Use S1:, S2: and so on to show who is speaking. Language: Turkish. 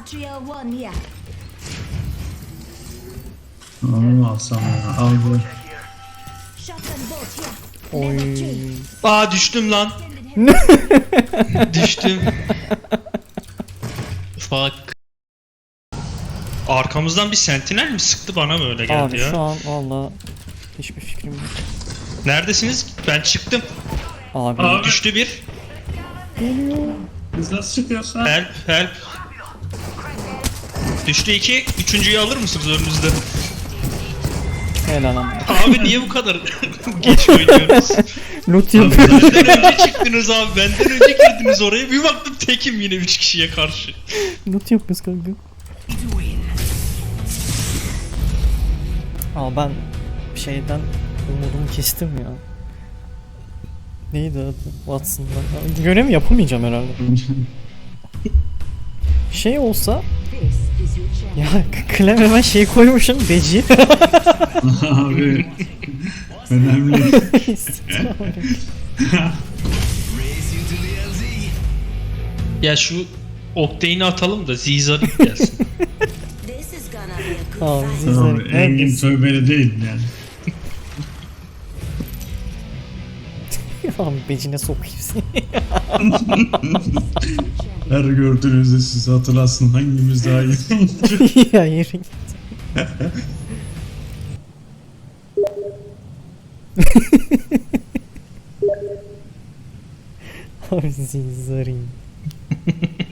S1: Patria 1 here.
S2: Onu alsam ya. Al bu.
S1: Shotgun bolt here.
S3: Oy.
S1: Level 3.
S4: Aa düştüm lan. Düştüm. Fuck. Arkamızdan bir sentinel mi sıktı, bana mı öyle geldi
S3: Abi
S4: ya?
S3: şu an valla hiçbir fikrim yok.
S4: Neredesiniz? Ben çıktım.
S3: Abi,
S2: Abi.
S4: Düştü bir.
S2: Biz nasıl çıkıyoruz lan?
S4: Help help. Düştü iki. Üçüncüyü alır mısınız önünüzde?
S3: helal ama.
S4: Abi niye bu kadar geç oynuyoruz?
S3: Loot yapıyor.
S4: Benden önce çıktınız abi. Benden önce girdiniz oraya. Bir baktım tekim yine 3 kişiye karşı.
S3: Loot yapıyoruz kanka. Aa ben şeyden umudumu kestim ya. Neydi adı? Watson'dan. Görev yapamayacağım herhalde. Şey olsa
S1: This is your chance.
S3: ya Clem hemen şey koymuşum beci.
S2: Abi. Önemli.
S4: Ya şu Octane'i atalım da Zizar gelsin.
S1: This is gonna be a good
S3: Abi
S1: fight.
S2: Tamam,
S3: Zizar
S2: Engin
S3: neredesin?
S2: tövbeli değil yani.
S3: Abi becine sokayım seni.
S2: Her gördüğünüzde siz hatırlasın hangimiz daha iyi.
S3: Ya yürü git. Abi Zizar'ın.